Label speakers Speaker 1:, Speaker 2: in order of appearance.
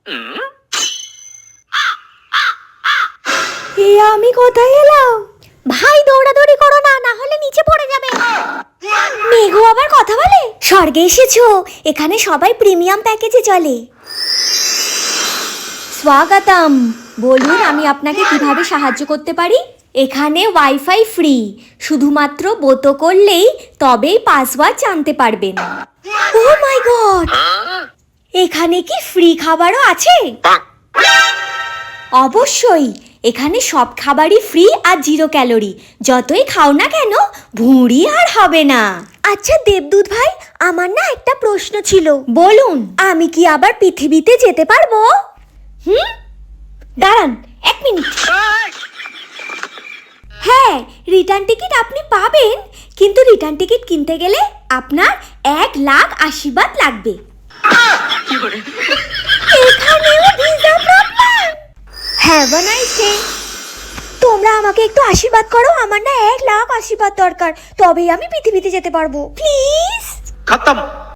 Speaker 1: আমি কোথায় এলাম? ভাই দৌড়াদৌড়ি করো না, না হলে নিচে পড়ে যাবে। মেঘু আবার কথা বলে? স্বর্গে এসেছো, এখানে সবাই প্রিমিয়াম প্যাকেজে চলে। স্বাগতম, বলুন আমি আপনাকে কিভাবে সাহায্য করতে পারি? এখানে ওয়াইফাই ফ্রি, শুধুমাত্র বোতো করলেই তবেই পাসওয়ার্ড জানতে পারবেন। ও মাই গড, এখানে কি ফ্রি খাবারও আছে? অবশ্যই, এখানে সব খাবারই ফ্রি আর 0 ক্যালোরি। যতই খাও না কেন ভুঁড়ি আর হবে না। আচ্ছা দেবদূত ভাই, আমার না একটা প্রশ্ন ছিল। বলুন। আমি কি আবার পৃথিবীতে যেতে পারবো? দাঁড়ান 1 মিনিট। হ্যাঁ, রিটার্ন টিকিট আপনি পাবেন, কিন্তু রিটার্ন টিকিট কিনতে গেলে আপনার 1 লাখ আশীর্বাদ লাগবে। এখানেও visa problem. Have a nice day. তোমরা আমাকে একটু আশীর্বাদ করো, আমার না 1 লাখ আশীর্বাদ দরকার, তবেই আমি পৃথিবীতে যেতে পারবো। প্লিজ।
Speaker 2: खत्म।